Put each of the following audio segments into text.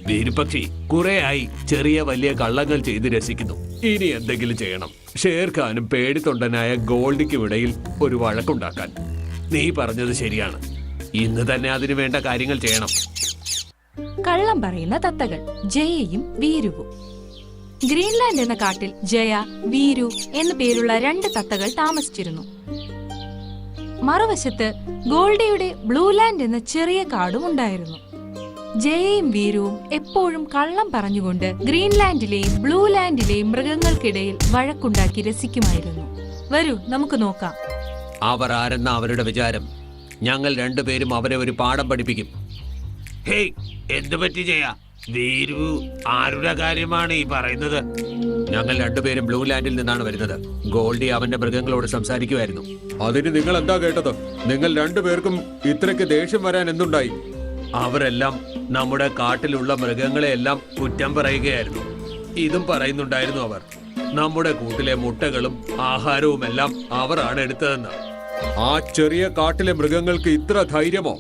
വീരുപക്ഷി കുറെയായി ചെറിയ വലിയ കള്ളങ്ങൾ ചെയ്ത് രസിക്കുന്നു. ഇനി എന്തെങ്കിലും ചെയ്യണം. ഷേർഖാനും പേടിത്തൊണ്ടനായ ഗോൾഡിക്കും ഇടയിൽ ഒരു വഴക്കുണ്ടാക്കാൻ. നീ പറഞ്ഞത് ശരിയാണ്. ഇന്ന് തന്നെ അതിനു വേണ്ട കാര്യങ്ങൾ ചെയ്യണം. കള്ളം പറയുന്ന തത്തകൾ ജയയും വീരുവും. ഗ്രീൻലാൻഡ് എന്ന കാട്ടിൽ ജയ, വീരു എന്നു പേരുള്ള 2 തത്തകൾ താമസിച്ചിരുന്നു. മറുവശത്ത് ഗോൾഡിയുടെ ബ്ലൂലാൻഡ് എന്ന ചെറിയ കാടും ഉണ്ടായിരുന്നു. ജയയും വീരുവും എപ്പോഴും കള്ളം പറഞ്ഞുകൊണ്ട് ഗ്രീൻലാൻഡിലെയും ബ്ലൂലാൻഡിലെയും മൃഗങ്ങൾക്കിടയിൽ വഴക്കുണ്ടാക്കി രസിക്കുമായിരുന്നു. വരൂ, നമുക്ക് നോക്കാം. അവർ ആരെന്ന അവരുടെ വിചാരം. ഞങ്ങൾ രണ്ടുപേരും അവരെ ഒരു പാഠം പഠിപ്പിക്കും. ഹേയ്, എന്തു പറ്റി ജയ? വീരു ആരുടെ കാര്യമാണ് ഈ പറയുന്നത്? ഞങ്ങൾ രണ്ടുപേരും ബ്ലൂലാൻഡിൽ നിന്നാണ് വരുന്നത്. ഗോൾഡി അവന്റെ മൃഗങ്ങളോട് സംസാരിക്കുമായിരുന്നു. അതിന് നിങ്ങൾ എന്താ കേട്ടത്? നിങ്ങൾ രണ്ടുപേർക്കും ഇത്രയ്ക്ക് ദേഷ്യം വരാൻ എന്തുണ്ടായി? അവരെല്ലാം നമ്മുടെ കാട്ടിലുള്ള മൃഗങ്ങളെയെല്ലാം കുറ്റം പറയുകയായിരുന്നു. ഇതും പറയുന്നുണ്ടായിരുന്നു അവർ. നമ്മുടെ കൂട്ടിലെ മുട്ടകളും ആഹാരവുമെല്ലാം അവരാണ് എടുത്തതെന്ന്. ആ ചെറിയ കാട്ടിലെ മൃഗങ്ങൾക്ക് ഇത്ര ധൈര്യമോ?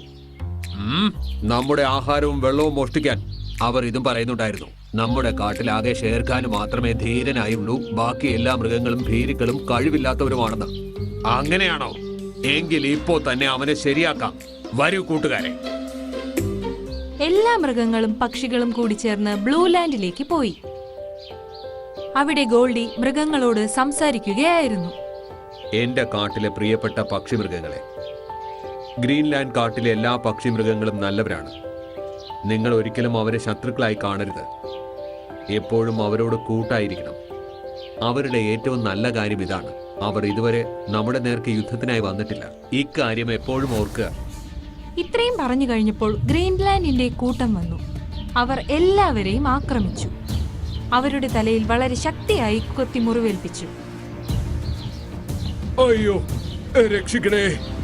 നമ്മുടെ ആഹാരവും വെള്ളവും മോഷ്ടിക്കാൻ അവർ ഇതും പറയുന്നുണ്ടായിരുന്നു. നമ്മുടെ കാട്ടിലാകെ ഷേർഖാന് മാത്രമേ ധീരനായുള്ളൂ. ബാക്കി എല്ലാ മൃഗങ്ങളും ഭീരുക്കളും കഴിവില്ലാത്തവരുമാണെന്ന്. അങ്ങനെയാണോ? എങ്കിൽ ഇപ്പോ തന്നെ അവനെ ശരിയാക്കാം. വരൂ കൂട്ടുകാരെ. എല്ലാ മൃഗങ്ങളും പക്ഷികളും കൂടി ചേർന്ന് ബ്ലൂലാൻഡിലേക്ക് പോയി. അവിടെ ഗോൾഡി മൃഗങ്ങളോട് സംസാരിക്കുകയായിരുന്നു. എന്റെ കാട്ടിലെ പ്രിയപ്പെട്ട പക്ഷിമൃഗങ്ങളെ, ഗ്രീൻലാൻഡ് കാട്ടിലെ എല്ലാ പക്ഷിമൃഗങ്ങളും നല്ലവരാണ്. നിങ്ങൾ ഒരിക്കലും അവരെ ശത്രുക്കളായി കാണരുത്. എപ്പോഴും അവരോട് കൂട്ടായിരിക്കണം. അവരുടെ ഏറ്റവും നല്ല കാര്യം ഇതാണ്: അവർ ഇതുവരെ നമ്മുടെ നേർക്ക് യുദ്ധത്തിനായി വന്നിട്ടില്ല. ഇക്കാര്യം എപ്പോഴും ഓർക്കുക. ഇത്രയും പറഞ്ഞു കഴിഞ്ഞപ്പോൾ ഗ്രീൻലാൻഡിന്റെ കൂട്ടം വന്നു. അവർ എല്ലാവരെയും ആക്രമിച്ചു. അവരുടെ തലയിൽ വളരെ ശക്തിയായി കൊത്തി മുറിവേൽപ്പിച്ചു. അയ്യോ, രക്ഷിക്കണേ!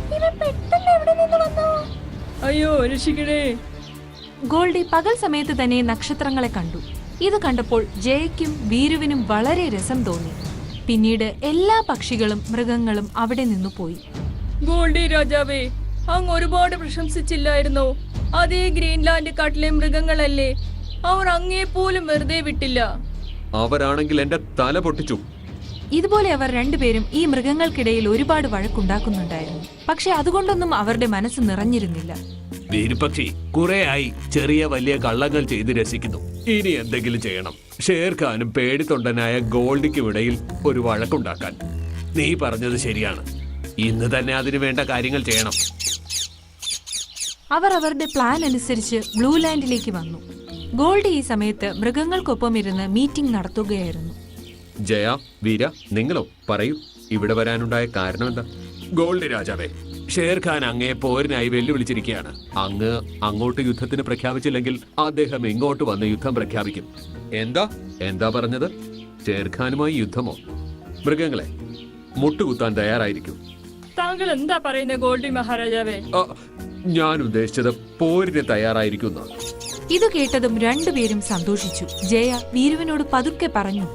അയ്യോ, രക്ഷിക്കണേ! ഗോൾഡി പകൽ സമയത്ത് തന്നെ നക്ഷത്രങ്ങളെ കണ്ടു. ഇത് കണ്ടപ്പോൾ ജയയ്ക്കും വീരുവിനും വളരെ രസം തോന്നി. പിന്നീട് എല്ലാ പക്ഷികളും മൃഗങ്ങളും അവിടെ നിന്നു പോയി. ഗോൾഡി രാജാവേ, അങ്ങ് ഒരുപാട് പ്രശംസിച്ചില്ലായിരുന്നോ? അതേ ഗ്രീൻലാൻഡ് കാട്ടിലെ മൃഗങ്ങളല്ലേ? അവർ അങ്ങേ പോലും വെറുതെ വിട്ടില്ല. അവരാണെങ്കിൽ എന്റെ തല പൊട്ടിച്ചു. ഇതുപോലെ അവർ രണ്ടുപേരും ഈ മൃഗങ്ങൾക്കിടയിൽ ഒരുപാട് വഴക്കുണ്ടാക്കുന്നുണ്ടായിരുന്നു. പക്ഷെ അതുകൊണ്ടൊന്നും അവരുടെ മനസ്സ് നിറഞ്ഞിരുന്നില്ല. വീരുപക്ഷി കുറെയായി ചെറിയ വലിയ കള്ളങ്ങൾ ചെയ്ത് രസിക്കുന്നു. ഇനി എന്തെങ്കിലും ചെയ്യണം. ഷേർഖാനും പേടിത്തൊണ്ടനായ ഗോൾഡിക്കും ഇടയിൽ ഒരു വഴക്കുണ്ടാക്കാൻ. നീ പറഞ്ഞത് ശരിയാണ്. ഇന്ന് തന്നെ അതിനു വേണ്ട കാര്യങ്ങൾ ചെയ്യണം. അവർ അവരുടെ പ്ലാൻ അനുസരിച്ച് ബ്ലൂലാൻഡിലേക്ക് വന്നു. ഗോൾഡി ഈ സമയത്ത് മൃഗങ്ങൾക്കൊപ്പം ഇരുന്ന് മീറ്റിംഗ് നടത്തുകയായിരുന്നു. ജയ, വീര, നിങ്ങളോ പറയൂ, ഇവിടെ വരാനുണ്ടായ കാരണം എന്താ? ഗോൾഡി രാജാവേ, ഷേർഖാൻ അങ്ങേ പോരിനായി വെല്ലുവിളിച്ചിരിക്കുകയാണ്. അങ്ങ് അങ്ങോട്ട് യുദ്ധത്തിന് പ്രഖ്യാപിച്ചില്ലെങ്കിൽ അദ്ദേഹം ഇങ്ങോട്ട് വന്ന് യുദ്ധം പ്രഖ്യാപിക്കും. എന്താ പറഞ്ഞത്? ഷേർഖാനുമായി യുദ്ധമോ? മൃഗങ്ങളെ, മുട്ടുകുത്താൻ തയ്യാറായിരിക്കും. താങ്കൾ എന്താ പറയുന്നത് ഗോൾഡി മഹാരാജാവേ? ഞാൻ ഉദ്ദേശിച്ചത് പോരിന് തയ്യാറായിരിക്കുന്ന. ഇത് കേട്ടതും രണ്ടുപേരും സന്തോഷിച്ചു. ജയ വീരുവിനോട് പതുക്കെ പറഞ്ഞു,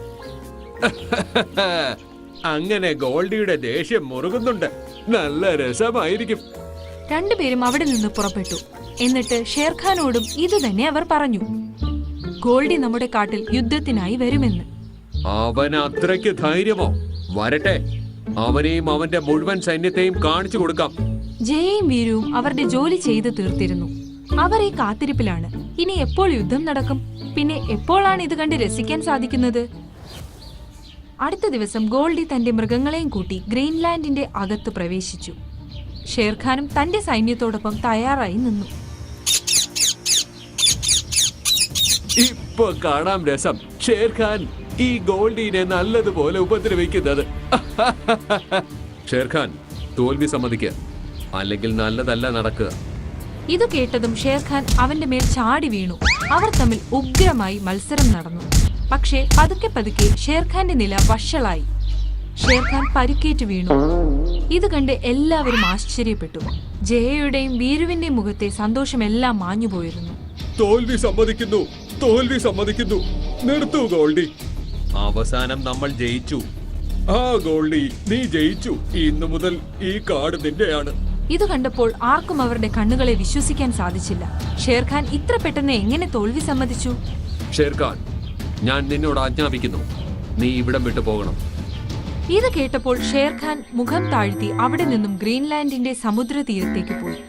അങ്ങനെ ഗോൾഡിയുടെ ദേഷ്യം മുറുകുന്നുണ്ട്. നല്ല രസമായിരിക്കും. രണ്ടുപേരും അവിടെ നിന്ന് പുറപ്പെട്ടു. എന്നിട്ട് ഷേർഖാനോടും ഇത് തന്നെ അവർ പറഞ്ഞു. ഗോൾഡി നമ്മുടെ കാട്ടിൽ യുദ്ധത്തിനായി വരുമെന്ന്. അവൻ അത്രയ്ക്ക് ധൈര്യമോ? വരട്ടെ, അവനെയും അവന്റെ മുഴുവൻ സൈന്യത്തെയും കാണിച്ചു കൊടുക്കാം. ജയയും വീരുവും അവരുടെ ജോലി ചെയ്ത് തീർത്തിരുന്നു. അവർ ഈ കാത്തിരിപ്പിലാണ്. ഇനി എപ്പോൾ യുദ്ധം നടക്കും? പിന്നെ എപ്പോഴാണ് ഇത് കണ്ട് രസിക്കാൻ സാധിക്കുന്നത്? അടുത്ത ദിവസം ഗോൾഡി തന്റെ മൃഗങ്ങളെയും കൂട്ടി ഗ്രീൻലാൻഡിന്റെ അകത്ത് പ്രവേശിച്ചു. ഷേർഖാനും തന്റെ സൈന്യത്തോടൊപ്പം തയ്യാറായി നിന്നു. ഇപ്പൊ കാണാം രസം. ഷേർഖാൻ ഈ ഗോൾഡിനെ നല്ലതുപോലെ ഉപദ്രവിക്കുന്നത്. ഷേർഖാൻ, തോൽവി സമ്മതിക്കുക, അല്ലെങ്കിൽ നല്ലതല്ല നടക്കുക. ഇത് കേട്ടതും ഷേർഖാൻ അവന്റെ മേൽ ചാടി വീണു. അവർ തമ്മിൽ ഉഗ്രമായി മത്സരം നടന്നു. പക്ഷേ പതുക്കെ പതുക്കെ ഷേർഖാന്റെ നില വഷളായി. ഷേർഖാൻ പരിക്കേറ്റ് വീണു. ഇത് കണ്ട് എല്ലാവരും ആശ്ചര്യപ്പെട്ടു. ജയയുടെയും വീരുവിന്റെയും മുഖത്തെ സന്തോഷമെല്ലാം മാഞ്ഞുപോയിരുന്നു. തോൽവി സമ്മതിക്കുന്നു. നിർത്തൂ ഗോൾഡി. അവസാനം നമ്മൾ ജയിച്ചു. ആ ഗോൾഡി, നീ ജയിച്ചു. ഇന്നു മുതൽ ഈ കാട് നിന്റെയാണ്. ഇത് കണ്ടപ്പോൾ ആർക്കും അവരുടെ കണ്ണുകളെ വിശ്വസിക്കാൻ സാധിച്ചില്ല. ഷേർഖാൻ ഇത്ര പെട്ടെന്ന് എങ്ങനെ തോൽവി സമ്മതിച്ചു? ഷേർഖാൻ, ഞാൻ നിന്നോട് ആജ്ഞാപിക്കുന്നു, നീ ഇവിടം വിട്ടു പോകണം. ഇത് കേട്ടപ്പോൾ ഷേർഖാൻ മുഖം താഴ്ത്തി അവിടെ നിന്നും ഗ്രീൻലാൻഡിന്റെ സമുദ്ര തീരത്തേക്ക് പോയി.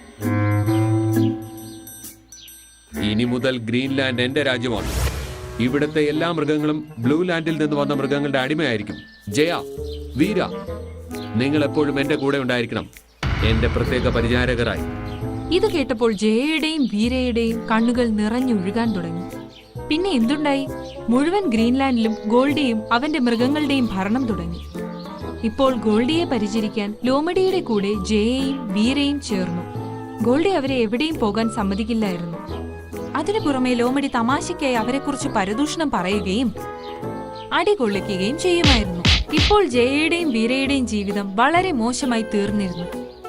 ഇനി മുതൽ ഗ്രീൻലാൻഡ് എന്റെ രാജ്യമാണ്. ഇവിടുത്തെ എല്ലാ മൃഗങ്ങളും ബ്ലൂ ലാൻഡിൽ നിന്ന് വന്ന മൃഗങ്ങളുടെ അടിമയായിരിക്കും. ജയ, വീര, നിങ്ങൾ എപ്പോഴും എന്റെ കൂടെ ഉണ്ടായിരിക്കണം, എന്റെ പ്രത്യേക പരിചാരകരായി. ഇത് കേട്ടപ്പോൾ ജയയുടെയും വീരയുടെയും കണ്ണുകൾ നിറഞ്ഞൊഴുകാൻ തുടങ്ങി. പിന്നെ എന്തുണ്ടായി? മുഴുവൻ ഗ്രീൻലാൻഡിലും ഗോൾഡിയും അവന്റെ മൃഗങ്ങളുടെയും ഭരണം തുടങ്ങി. ഇപ്പോൾ ഗോൾഡിയെ പരിചരിക്കാൻ ലോമഡിയുടെ കൂടെ ജയയും വീരയും ചേർന്നു. ഗോൾഡി അവരെ എവിടെയും പോകാൻ സമ്മതിക്കില്ലായിരുന്നു. അതിനു പുറമെ ലോമഡി തമാശയ്ക്കായി അവരെക്കുറിച്ച് പരദൂഷണം പറയുകയും അടികൊള്ളിക്കുകയും ചെയ്യുമായിരുന്നു. ഇപ്പോൾ ജയയുടെയും വീരയുടെയും ജീവിതം വളരെ മോശമായി തീർന്നിരുന്നു.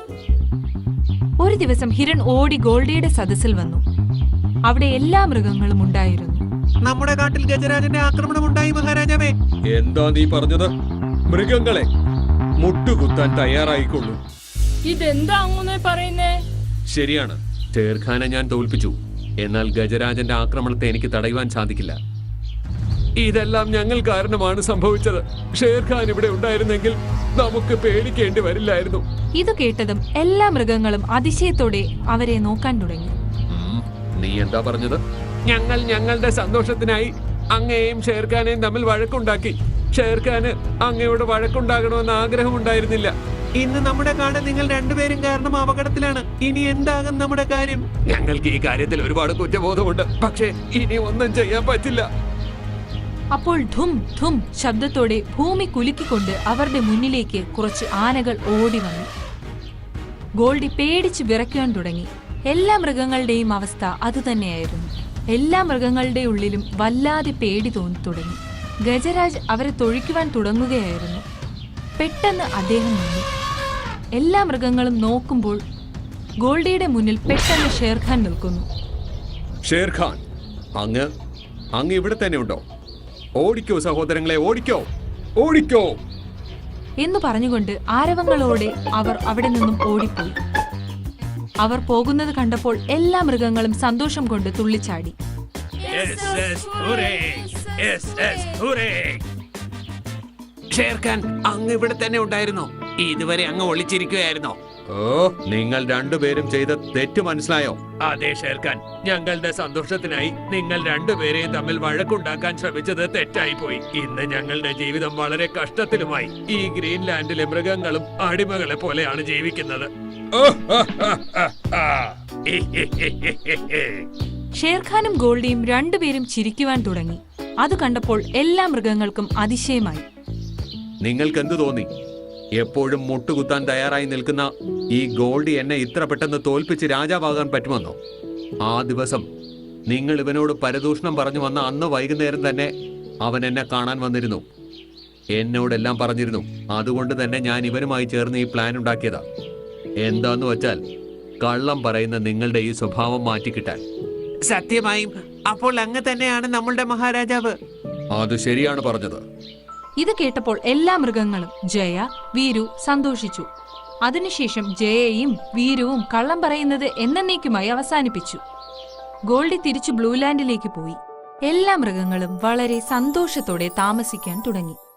ഒരു ദിവസം ഹിരൺ ഓടി ഗോൾഡിയുടെ സദസ്സിൽ വന്നു. അവിടെ എല്ലാ മൃഗങ്ങളും ഉണ്ടായിരുന്നു. നമ്മുടെ കാട്ടിൽ ഗജരാജന്റെ ആക്രമണം ഉണ്ടായി മഹാരാജാവേ. എന്താ നീ പറഞ്ഞത്? മൃഗങ്ങളെ മുട്ടുകുത്താൻ തയ്യാറായിക്കൊള്ളൂ. ഇതെന്താ അങ്ങനെ പറയുന്നേ? ശരിയാണ്, ഷേർഖാനെ ഞാൻ തോൽപ്പിച്ചു. എന്നാൽ ഗജരാജന്റെ ആക്രമണത്തെ എനിക്ക് തടയുവാൻ സാധിക്കില്ല. ഇതെല്ലാം ഞങ്ങൾ കാരണമാണ് സംഭവിച്ചത്. ഷേർഖാൻ ഇവിടെ ഉണ്ടായിരുന്നെങ്കിൽ നമുക്ക് പേടിക്കേണ്ടി വരില്ലായിരുന്നു. ഇത് കേട്ടതും എല്ലാ മൃഗങ്ങളും അതിശയത്തോടെ അവരെ നോക്കാൻ തുടങ്ങി. നീ എന്താ പറഞ്ഞത്? ഞങ്ങൾ ഞങ്ങളുടെ സന്തോഷത്തിനായി അങ്ങയെയും ഷേർഖാനെയും തമ്മിൽ വഴക്കുണ്ടാക്കി. ഷേർഖാന് അങ്ങയോട് വഴക്കുണ്ടാകണമെന്ന് ആഗ്രഹമുണ്ടായിരുന്നില്ല. ഇന്ന് നമ്മുടെ കാട് നിങ്ങൾ രണ്ടുപേരും കാരണം അപകടത്തിലാണ്. ഇനി എന്താകും നമ്മുടെ കാര്യം? ഞങ്ങൾക്ക് ഈ കാര്യത്തിൽ ഒരുപാട് കുറ്റബോധമുണ്ട്, പക്ഷേ ഇനി ഒന്നും ചെയ്യാൻ പറ്റില്ല. അപ്പോൾ ധും ധും ശബ്ദത്തോടെ ഭൂമി കുലുക്കിക്കൊണ്ട് അവരുടെ മുന്നിലേക്ക് കുറച്ച് ആനകൾ ഓടി വന്നു. ഗോൾഡി പേടിച്ച് വിറയ്ക്കാൻ തുടങ്ങി. എല്ലാ മൃഗങ്ങളുടെയും അവസ്ഥ അതുതന്നെയായിരുന്നു. എല്ലാ മൃഗങ്ങളുടെ ഉള്ളിലും വല്ലാതെ പേടി തോന്നി തുടങ്ങി. ഗജരാജ് അവരെ തൊഴിക്കുവാൻ തുടങ്ങുകയായിരുന്നു. പെട്ടെന്ന് അദ്ദേഹം നിന്നു. എല്ലാ മൃഗങ്ങളും നോക്കുമ്പോൾ ഗോൾഡിയുടെ മുന്നിൽ പെട്ടെന്ന് ഷേർഖാൻ നിൽക്കുന്നു. ഷേർഖാൻ, അങ്ങ് ഇവിടെ തന്നെ ഉണ്ടോ? ഓടിക്കോ സഹോദരങ്ങളെ, ഓടിക്കോ, ഓടിക്കോ എന്ന് പറഞ്ഞുകൊണ്ട് ആരവങ്ങളോടെ അവർ അവിടെ നിന്നും ഓടിപ്പോയി. അവർ പോകുന്നത് കണ്ടപ്പോൾ എല്ലാ മൃഗങ്ങളും സന്തോഷം കൊണ്ട് തുള്ളിച്ചാടി. ഷേർഖാൻ, അങ്ങ് ഇവിടെ തന്നെ ഉണ്ടായിരുന്നോ? ഇതുവരെ അങ്ങ് ഒളിച്ചിരിക്കുകയായിരുന്നോ? ഓ, നിങ്ങൾ രണ്ടുപേരും ചെയ്ത തെറ്റ് മനസ്സിലായോ? അതെ ഷേർഖാൻ, ഞങ്ങളുടെ സന്തോഷത്തിനായി നിങ്ങൾ രണ്ടുപേരെയും തമ്മിൽ വഴക്കുണ്ടാക്കാൻ ശ്രമിച്ചത് തെറ്റായി പോയി. ഇന്ന് ഞങ്ങളുടെ ജീവിതം വളരെ കഷ്ടത്തിലുമായി. ഈ ഗ്രീൻലാൻഡിലെ മൃഗങ്ങളും അടിമകളെ പോലെയാണ് ജീവിക്കുന്നത്. ഷേർഖാനും ഗോൾഡിയും രണ്ടുപേരും ചിരിക്കുവാൻ തുടങ്ങി. അത് കണ്ടപ്പോൾ എല്ലാ മൃഗങ്ങൾക്കും അതിശയമായി. നിങ്ങൾക്ക് എന്തു തോന്നി? എപ്പോഴും മുട്ടുകുത്താൻ തയ്യാറായി നിൽക്കുന്ന ഈ ഗോൾഡി എന്നെ ഇത്ര പെട്ടെന്ന് തോൽപ്പിച്ച് രാജാവാകാൻ പറ്റുമെന്നോ? ആ ദിവസം നിങ്ങൾ ഇവനോട് പരദൂഷണം പറഞ്ഞു വന്ന അന്ന് വൈകുന്നേരം തന്നെ അവൻ എന്നെ കാണാൻ വന്നിരുന്നു. എന്നോടെല്ലാം പറഞ്ഞിരുന്നു. അതുകൊണ്ട് തന്നെ ഞാൻ ഇവനുമായി ചേർന്ന് ഈ പ്ലാൻ ഉണ്ടാക്കിയതാ. എന്താന്ന് വെച്ചാൽ കള്ളം പറയുന്ന നിങ്ങളുടെ ഈ സ്വഭാവം മാറ്റിക്കിട്ടാൻ. സത്യമായും അപ്പോൾ അങ്ങ് തന്നെയാണ് നമ്മളുടെ മഹാരാജാവ്. അത് ശരിയാണ് പറഞ്ഞത്. ഇത് കേട്ടപ്പോൾ എല്ലാ മൃഗങ്ങളും ജയ, വീരു സന്തോഷിച്ചു. അതിനുശേഷം ജയയും വീരുവും കള്ളം പറയുന്നത് എന്നേക്കുമായി അവസാനിപ്പിച്ചു. ഗോൾഡി തിരിച്ചു ബ്ലൂ ലാൻഡിലേക്ക് പോയി. എല്ലാ മൃഗങ്ങളും വളരെ സന്തോഷത്തോടെ താമസിക്കാൻ തുടങ്ങി.